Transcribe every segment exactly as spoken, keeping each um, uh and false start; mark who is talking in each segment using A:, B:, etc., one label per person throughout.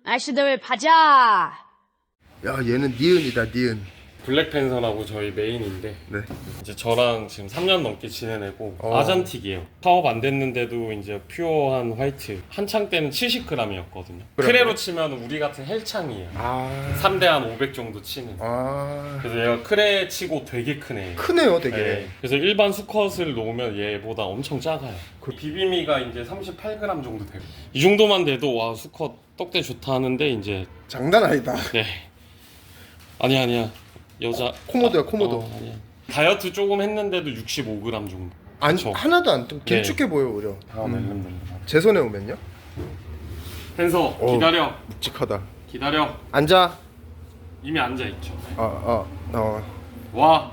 A: 아저씨들 가자.
B: 야 얘는 니은이다 니은.
C: 블랙팬서라고 저희 메인인데
B: 네.
C: 이제 저랑 지금 삼 년 넘게 지내내고
B: 어.
C: 아잔틱이에요. 파업 안 됐는데도 이제 퓨어한 화이트. 한창 때는 칠십 그램이었거든요.
B: 그래요?
C: 크레로 치면 우리 같은 헬창이에요.
B: 아.
C: 삼 대 한 오백 정도 치는.
B: 아.
C: 그래서 얘가 크레 치고 되게 크네.
B: 크네요 되게.
C: 네. 그래서 일반 수컷을 놓으면 얘보다 엄청 작아요. 그 비비미가 이제 삼십팔 그램 정도 되고. 이 정도만 돼도 와 수컷 떡대 좋다 하는데 이제
B: 장난 아니다.
C: 네. 아니야 아니야. 여자
B: 코모도야,
C: 아,
B: 코모도.
C: 어, 아니야. 다이어트 조금 했는데도 육십오 그램 정도.
B: 안
C: 그쵸?
B: 하나도 안 좀 길쭉해
C: 네.
B: 보여 오히려.
C: 아, 멜름멜름.
B: 제 손에 오면요?
C: 펜서
B: 어.
C: 기다려.
B: 묵직하다.
C: 기다려.
B: 앉아.
C: 이미 앉아 있죠.
B: 어 어 어.
C: 와.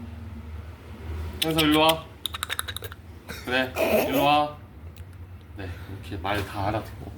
C: 펜서 일로 와. 그래. 일로 와. 네 이렇게 말 다 알아듣고.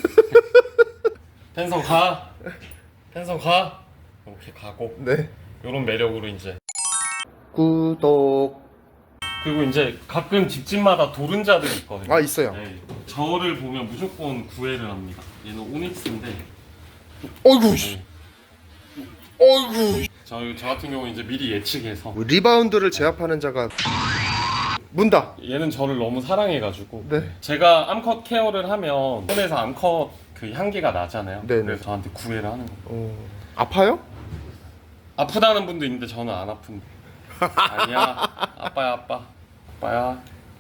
C: 펜서 가. 펜서 가. 이렇게 가고.
B: 네.
C: 이런 매력으로 이제.
B: 구독.
C: 그리고 이제 가끔 집집마다 도른자들이 있거든요.
B: 아 있어요.
C: 네. 저를 보면 무조건 구애를 합니다. 얘는 오닉스인데.
B: 어이구. 씨.
C: 네.
B: 어이구.
C: 저, 저 같은 경우는 이제 미리 예측해서
B: 리바운드를 제압하는 자가 문다.
C: 얘는 저를 너무 사랑해가지고
B: 네.
C: 제가 암컷 케어를 하면 손에서 암컷 그 향기가 나잖아요.
B: 네네.
C: 그래서 저한테 구애를 하는 거예요.
B: 어. 아파요?
C: 아프다는 분도 있는데 저는 안 아픈데. 아니야 아빠야 아빠 아빠야.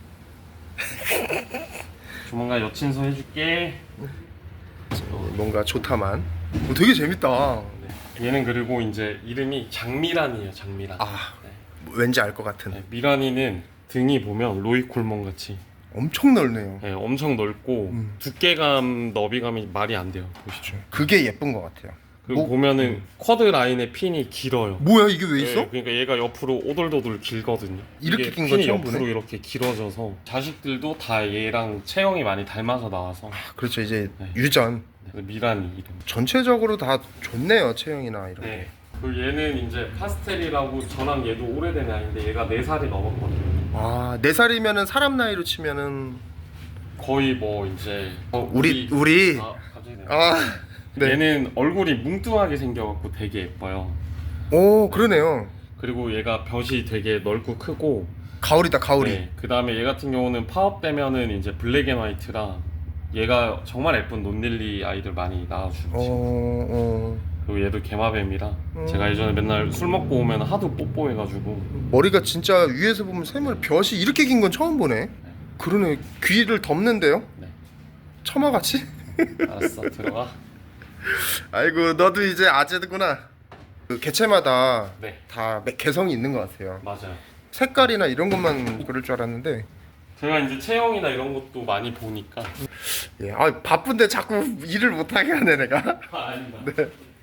C: 조만간 여친소 해줄게.
B: 뭔가 좋다만. 어, 되게 재밌다.
C: 네. 얘는 그리고 이제 이름이 장미란이에요. 장미란.
B: 아
C: 네.
B: 왠지 알 것 같은.
C: 네, 미란이는 등이 보면 로이 콜몬 같이
B: 엄청 넓네요.
C: 네, 엄청 넓고
B: 음.
C: 두께감, 너비감이 말이 안 돼요. 보시죠.
B: 그게 예쁜 것 같아요.
C: 그리고
B: 뭐-
C: 보면은 쿼드 라인의 핀이 길어요.
B: 뭐야 이게 왜 있어?
C: 네, 그러니까 얘가 옆으로 오돌도돌 길거든요.
B: 이렇게
C: 이게
B: 긴 거
C: 핀이
B: 처음
C: 옆으로
B: 보네.
C: 이렇게 길어져서 자식들도 다 얘랑 체형이 많이 닮아서 나와서
B: 그렇죠 이제
C: 네.
B: 유전.
C: 그래서 미란이 이름.
B: 전체적으로 다 좋네요 체형이나 이런 게.
C: 네. 그 얘는 이제 파스텔이라고 저랑 얘도 오래된 아이인데 얘가 네 살이 넘었거든요.
B: 아, 네 살이면은 사람 나이로 치면은
C: 거의 뭐 이제 어,
B: 우리 우리
C: 아, 갑자기 네.
B: 아, 네.
C: 얘는 얼굴이 뭉뚱하게 생겨갖고 되게 예뻐요.
B: 오, 그러네요.
C: 그리고 얘가 벼이 되게 넓고 크고.
B: 가을이다, 가을이.
C: 네. 그 다음에 얘 같은 경우는 파업되면은 이제 블랙 앤 화이트라 얘가 정말 예쁜 논릴리 아이들 많이 낳아주죠.
B: 어, 어.
C: 그리고 얘도 개마뱀이라
B: 음.
C: 제가 예전에 맨날 술 먹고 오면 하도 뽀뽀해가지고.
B: 머리가 진짜 위에서 보면 샘을 벼이 이렇게 긴 건 처음 보네. 그러네. 귀를 덮는데요?
C: 네.
B: 처마같이?
C: 알았어 들어가.
B: 아이고, 너도 이제 아재구나. 그 개체마다
C: 네
B: 다 매- 개성이 있는 것 같아요.
C: 맞아요.
B: 색깔이나 이런 것만 그럴 줄 알았는데.
C: 제가 이제 체형이나 이런 것도 많이 보니까.
B: 예, 아 바쁜데 자꾸 일을 못하게 하네 내가.
C: 아, 아닙니다.
B: 네.